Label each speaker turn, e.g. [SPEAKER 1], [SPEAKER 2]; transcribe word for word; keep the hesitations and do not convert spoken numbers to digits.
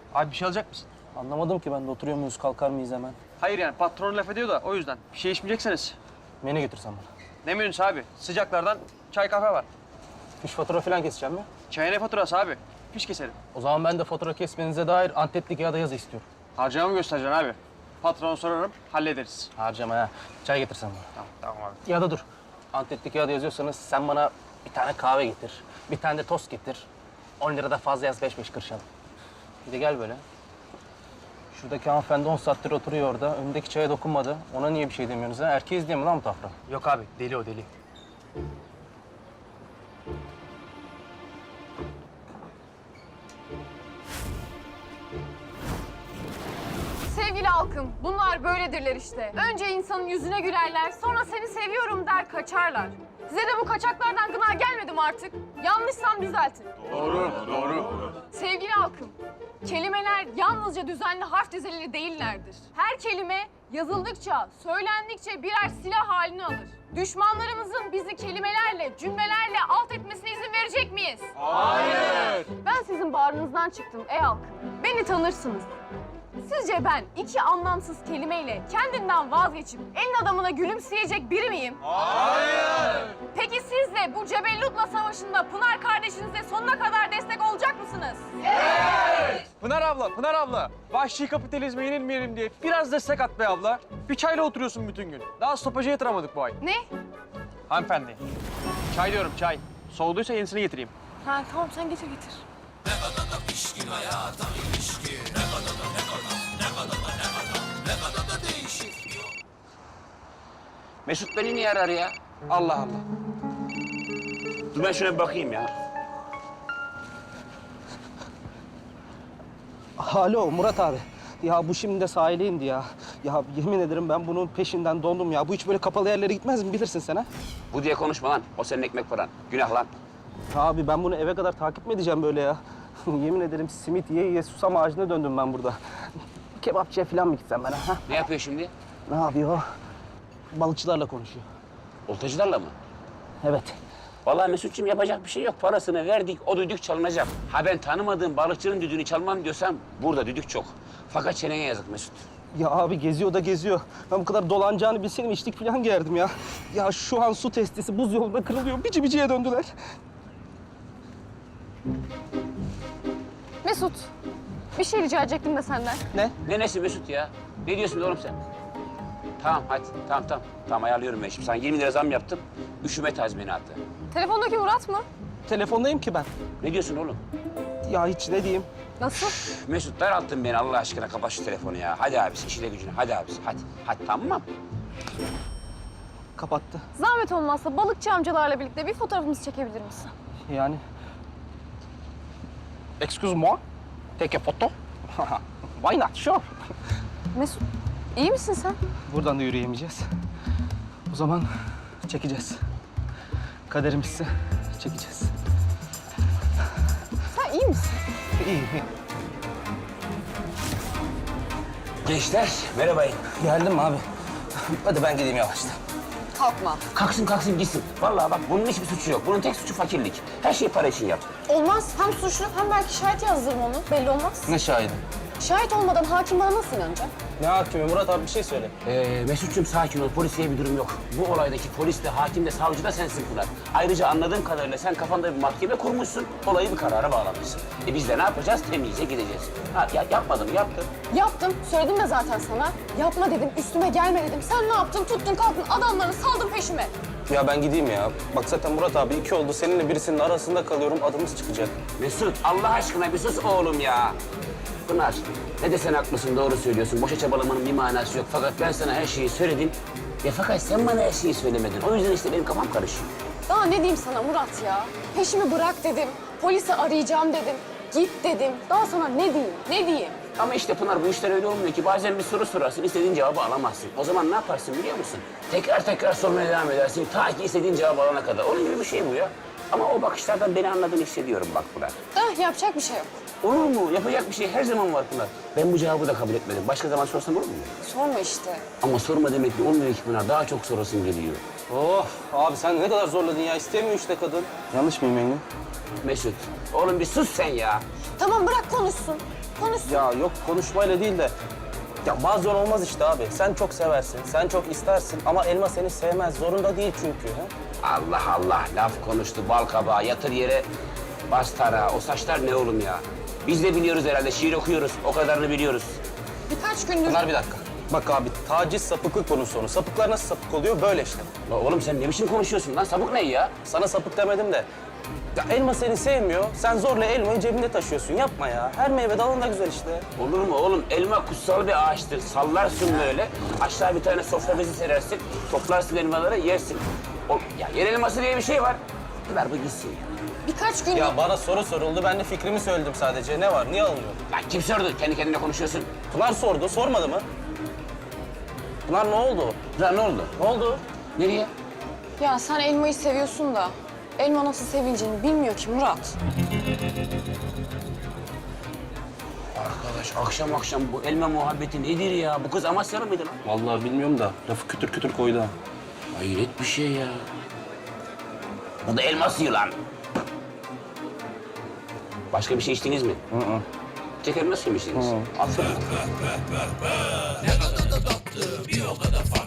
[SPEAKER 1] Abi bir şey alacak mısın?
[SPEAKER 2] Anlamadım ki ben de oturuyor muyuz, kalkar mıyız hemen?
[SPEAKER 1] Hayır yani patron laf ediyor da o yüzden. Bir şey içmeyecekseniz.
[SPEAKER 2] Menü götürsen bana.
[SPEAKER 1] Ne menüsü abi? Sıcaklardan çay kahve var.
[SPEAKER 2] Fiş fatura falan keseceğim mi?
[SPEAKER 1] Çaya ne faturası abi? Fiş keselim.
[SPEAKER 2] O zaman ben de fatura kesmenize dair Antep'li kağıda yazı istiyorum.
[SPEAKER 1] Harcama mı göstereceksin abi? Patrona sorarım, hallederiz.
[SPEAKER 2] Harcama ha. Çay getirsen bana.
[SPEAKER 1] Tamam, tamam abi.
[SPEAKER 2] Ya da dur. Antep'li kağıda yazıyorsanız sen bana bir tane kahve getir. Bir tane de tost getir. on lira da fazla yaz, beş beş kırışalım. Bir de gel böyle. Şuradaki hanımefendi on saattir oturuyor orada. Önündeki çaya dokunmadı. Ona niye bir şey demiyorsunuz ha? Erkeğiz diye mi lan bu tafra?
[SPEAKER 1] Yok abi, deli o deli.
[SPEAKER 3] Sevgili halkım, bunlar böyledirler işte. Önce insanın yüzüne gülerler, sonra seni seviyorum der kaçarlar. Size de bu kaçaklardan gına gelmedim artık. Yanlışsam düzeltin.
[SPEAKER 1] Doğru, doğru.
[SPEAKER 3] Sevgili halkım, kelimeler yalnızca düzenli harf dizileri değillerdir. Her kelime yazıldıkça, söylendikçe birer silah halini alır. Düşmanlarımızın bizi kelimelerle, cümlelerle alt etmesine izin verecek miyiz?
[SPEAKER 1] Hayır.
[SPEAKER 3] Ben sizin bağrınızdan çıktım ey halkım. Beni tanırsınız. Sizce ben iki anlamsız kelimeyle kendinden vazgeçip elin adamına gülümseyecek biri miyim?
[SPEAKER 1] Hayır.
[SPEAKER 3] Peki siz de bu Cebellut'la savaşında Pınar kardeşinize sonuna kadar destek olacak mısınız?
[SPEAKER 1] Pınar abla, Pınar abla. Vahşi kapitalizme yenilmeyelim diye biraz destek at be abla. Bir çayla oturuyorsun bütün gün. Daha stopajı yatıramadık bu ay.
[SPEAKER 3] Ne?
[SPEAKER 1] Hanımefendi. Çay diyorum çay. Soğuduysa yenisini getireyim.
[SPEAKER 3] Ha tamam sen getir getir.
[SPEAKER 4] Mesut beni niye arar ya?
[SPEAKER 1] Allah Allah.
[SPEAKER 4] Dur ben şuna bir bakayım ya.
[SPEAKER 2] Alo Murat abi. Ya bu şimdi de sahile indi ya. Ya yemin ederim ben bunun peşinden dondum ya. Bu hiç böyle kapalı yerlere gitmez mi bilirsin sen ha?
[SPEAKER 4] Bu diye konuşma lan. O senin ekmek paran. Günah lan.
[SPEAKER 2] Abi ben bunu eve kadar takip mi edeceğim böyle ya? Yemin ederim simit ye ye susam ağacına döndüm ben burada. Kebapçıya falan mı gitsem ben ha?
[SPEAKER 4] Ne yapıyor şimdi?
[SPEAKER 2] Ne yapıyor o? Balıkçılarla konuşuyor.
[SPEAKER 4] Oltacılarla mı?
[SPEAKER 2] Evet.
[SPEAKER 4] Vallahi Mesut'cum yapacak bir şey yok. Parasını verdik, o düdük çalınacak. Ha ben tanımadığım balıkçının düdüğünü çalmam diyorsam burada düdük çok. Fakat çeneye yazık Mesut.
[SPEAKER 2] Ya abi geziyor da geziyor. Ben bu kadar dolanacağını bilseydim içlik falan giyerdim ya. Ya şu an su testisi buz yolunda kırılıyor. Bici biciye döndüler.
[SPEAKER 3] Mesut, bir şey rica edecektim de senden.
[SPEAKER 2] Ne?
[SPEAKER 4] Ne nesi Mesut ya? Ne diyorsun oğlum sen? Tamam hadi, tamam tamam. Tamam ayarlıyorum ben şimdi. Sana yirmi lira zam yaptım. Üşüme tazminatı.
[SPEAKER 3] Telefondaki Murat mı?
[SPEAKER 2] Telefondayım ki ben.
[SPEAKER 4] Ne diyorsun oğlum?
[SPEAKER 2] Ya hiç ne diyeyim?
[SPEAKER 3] Nasıl?
[SPEAKER 4] Mesut daralttın beni Allah aşkına. Kapat şu telefonu ya. Hadi abisi, işine gücüne. Hadi abisi, hadi. Hadi tamam.
[SPEAKER 2] Kapattı.
[SPEAKER 3] Zahmet olmazsa balıkçı amcalarla birlikte bir fotoğrafımızı çekebilir misin?
[SPEAKER 2] Yani... Excuse moi? Take a photo? Why not? Sure.
[SPEAKER 3] Mesut, iyi misin sen?
[SPEAKER 2] Buradan da yürüyemeyeceğiz. O zaman çekeceğiz. Kaderimizse çekeceğiz.
[SPEAKER 3] Sen iyi misin?
[SPEAKER 2] İyi, iyi.
[SPEAKER 4] Gençler, merhabayın.
[SPEAKER 2] Geldim abi. Hadi ben gideyim yavaştan.
[SPEAKER 3] Kalkma.
[SPEAKER 4] Kalksın kalksın gitsin. Vallahi bak bunun hiçbir suçu yok. Bunun tek suçu fakirlik. Her şeyi para için yaptı.
[SPEAKER 3] Olmaz. Hem suçlu hem belki şahit yazdırırım onu. Belli olmaz.
[SPEAKER 2] Ne şahidi?
[SPEAKER 3] Şahit olmadan hakim bana nasıl inanacak?
[SPEAKER 2] Ne hakimi? Murat abi bir şey söyle.
[SPEAKER 4] Ee, Mesut'cum sakin ol. Polisiye bir durum yok. Bu olaydaki polis de, hakim de, savcı da sensin Pınar. Ayrıca anladığım kadarıyla sen kafanda bir mahkeme kurmuşsun. Olayı bir karara bağlamışsın. E biz de ne yapacağız? Temizce gideceğiz. Ha, ya, yapmadım, yaptım.
[SPEAKER 3] Yaptım. Söyledim de zaten sana. Yapma dedim, üstüme gelme dedim. Sen ne yaptın? Tuttun kalktın adamları saldın peşime.
[SPEAKER 2] Ya ben gideyim ya. Bak zaten Murat abi iki oldu. Seninle birisinin arasında kalıyorum. Adımız çıkacak.
[SPEAKER 4] Mesut Allah aşkına bir sus oğlum ya. Pınar ne desen haklısın, doğru söylüyorsun. Boşa çabalamanın bir manası yok. Fakat ben sana her şeyi söyledim. Ya fakat sen bana her şeyi söylemedin. O yüzden işte benim kafam karışıyor.
[SPEAKER 3] Daha ne diyeyim sana Murat ya? Peşimi bırak dedim. Polisi arayacağım dedim. Git dedim. Daha sana ne diyeyim? Ne diyeyim?
[SPEAKER 4] Ama işte Pınar bu işler öyle olmuyor ki. Bazen bir soru sorarsın, istediğin cevabı alamazsın. O zaman ne yaparsın biliyor musun? Tekrar tekrar sormaya devam edersin. Ta ki istediğin cevabı alana kadar. Onun gibi bir şey bu ya. Ama o bakışlardan beni anladığını hissediyorum bak Pınar.
[SPEAKER 3] Ah yapacak bir şey yok.
[SPEAKER 4] Olur mu? Yapacak bir şey her zaman var Pınar. Ben bu cevabı da kabul etmedim. Başka zaman sorsam olur mu?
[SPEAKER 3] Sorma işte.
[SPEAKER 4] Ama sorma demek ki olmuyor ki Pınar. Daha çok sorasın geliyor.
[SPEAKER 2] Oh abi sen ne kadar zorladın ya. İstemiyor işte kadın. Yanlış mıyım Engin?
[SPEAKER 4] Mesut, oğlum bir sus sen ya.
[SPEAKER 3] Tamam bırak konuşsun. konuşsun.
[SPEAKER 2] Ya yok konuşmayla değil de ya bazen olmaz işte abi. Sen çok seversin, sen çok istersin ama elma seni sevmez. Zorunda değil çünkü. Ha?
[SPEAKER 4] Allah Allah, laf konuştu bal kabağı, yatır yere bas tarağı. O saçlar ne oğlum ya? Biz de biliyoruz herhalde, şiir okuyoruz, o kadarını biliyoruz.
[SPEAKER 3] Birkaç gündür...
[SPEAKER 2] Pınar bir dakika. Bak abi taciz sapıklık bunun sonu. Sapıklar nasıl sapık oluyor? Böyle işte.
[SPEAKER 4] La oğlum sen ne biçim konuşuyorsun lan? Sapık ne ya?
[SPEAKER 2] Sana sapık demedim de. Ya elma seni sevmiyor. Sen zorla elmayı cebinde taşıyorsun. Yapma ya. Her meyve dalında güzel işte.
[SPEAKER 4] Olur mu oğlum? Elma kutsal bir ağaçtır. Sallarsın böyle. Aşağı bir tane sofra bezi serersin. Toplarsın elmaları, yersin. O, ya yer elması diye bir şey var. Ver bu gitsin ya.
[SPEAKER 3] Birkaç gündür...
[SPEAKER 2] Ya bana soru soruldu. Ben de fikrimi söyledim sadece. Ne var? Niye alınıyor?
[SPEAKER 4] Lan kim sordu? Kendi kendine konuşuyorsun.
[SPEAKER 2] Pınar sordu. Sormadı mı? Pınar ne oldu?
[SPEAKER 4] Lan ne oldu?
[SPEAKER 2] Ne oldu?
[SPEAKER 4] Nereye?
[SPEAKER 3] Ya sen elmayı seviyorsun da elma nasıl sevileceğini bilmiyor ki Murat.
[SPEAKER 4] Arkadaş akşam akşam bu elma muhabbeti nedir ya? Bu kız Amasyalı mıydı lan?
[SPEAKER 2] Vallahi bilmiyorum da lafı kütür kütür koydu ha.
[SPEAKER 4] Hayret bir şey ya. Bu da elma suyu lan. Başka bir şey içtiniz mi? Hı hı. Tek elma suyu mu içtiniz? Aferin.